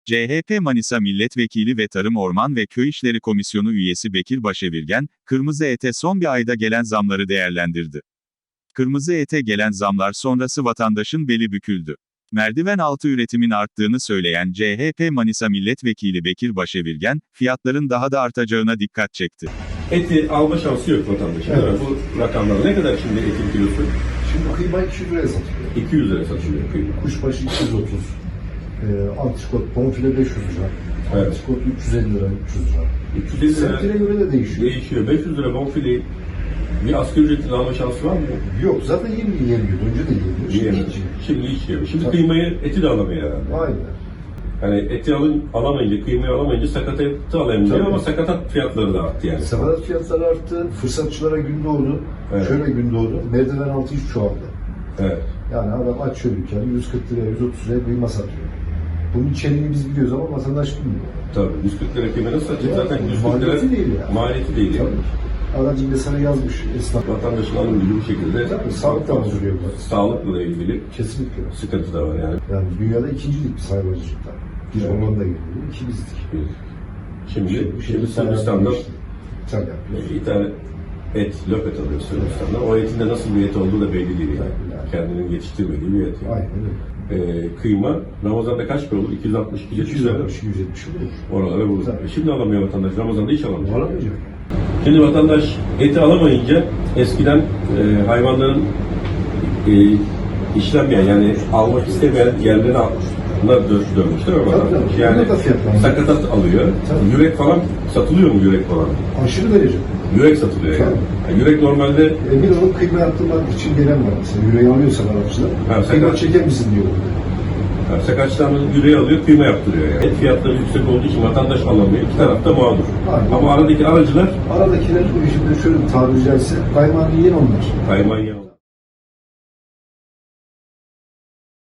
CHP Manisa Milletvekili ve Tarım Orman ve Köy İşleri Komisyonu üyesi Bekir Başevirgen, kırmızı ete son bir ayda gelen zamları değerlendirdi. Kırmızı ete gelen zamlar sonrası vatandaşın beli büküldü. Merdiven altı üretimin arttığını söyleyen CHP Manisa Milletvekili Bekir Başevirgen, fiyatların daha da artacağına dikkat çekti. Eti alma şansı yok vatandaşın. Evet. Bu rakamlar ne kadar şimdi etin kilosu? Şimdi kıyma 200 liraya satılıyor. 200 lira satılıyor kıyma. Kuşbaşı 230. Antrikot, bonfile 500 lira. Evet. Antrikot 350 lira, 300 lira. 350 lira Semtine göre de değişiyor. değişiyor. 500 lira bonfileyi bir asgari ücretin alma şansı var mı? Yok, zaten yemiyordu. Önce de yemiyor. Şimdi Yiyemiyor. hiç yemiyor. Şimdi hiç yemiyor. Şimdi Tabii. kıymayı, eti de alamıyor herhalde. Aynen. Yani eti alamayınca, kıymayı alamayınca sakatatı alamayınca Tabii. ama sakatat fiyatları da arttı yani. Sakatat fiyatları arttı. Fırsatçılara gün doğdu. Evet. Şöyle gün doğdu. Merdiven altı iş çoğaldı. Evet. Yani adam açıyor dükkanı 140 liraya, 130 liraya kıyma satıyor. Bunun içeriğini biz biliyoruz ama vatandaş bilmiyor. Tabii. 140 lira kıyma nasıl satacak? Ya, Zaten 140 lira maliyeti değil yani. maliyeti değil. Yani. Tabii. Adamcım mesela yazmış esnaf. Vatandaşın alım gücü bu şekilde. Tabii, sağlık da bozuluyor bu. Sağlıkla ilgili Kesinlikle. sıkıntı da var yani. Yani dünyada ikincilik bir hayvancılıkta. Bir Evet. Hollanda'ya geliyor, iki bizdik. Şimdi Sırbistan'da İtalya yapıyor. bir tane löpet alıyor Sırbistan'da. O etin de nasıl bir et olduğu da belli değil yani. Yani. Kendinin yetiştirmediği bir et yani. Aynen öyle. Kıyma Ramazan'da kaç para olur? 260, 270 lira. 270 olur. Oralara vurur. Tabii. Şimdi alamıyor vatandaş. Ramazan'da hiç alamıyor. Alamayacak. Şimdi vatandaş eti alamayınca eskiden hayvanların işlenmeyen yani almak istemeyen yerlere dönmüşler ama Tabii, vatandaş. tabii. Yani Burada da fiyatlar. sakatat alıyor. Tabii. Yürek falan satılıyor mu yürek falan? Aşırı derece. Yürek satılıyor yani. Tabii. Yani yürek normalde Bir onun kıyma yaptırmak için gelen var mesela. Yüreği alıyorsa Arapçılar. Ha, Kıyma sakat. çeker misin diyor. Sakaçtan yüreği alıyor, kıyma yaptırıyor yani. Et fiyatları yüksek olduğu için vatandaş alamıyor. İki tarafta mağdur. Aynen. Ama aradaki aracılar Aradakiler şimdi şöyle tabiri caizse kaymağını yiyen onlar. kayman yanı.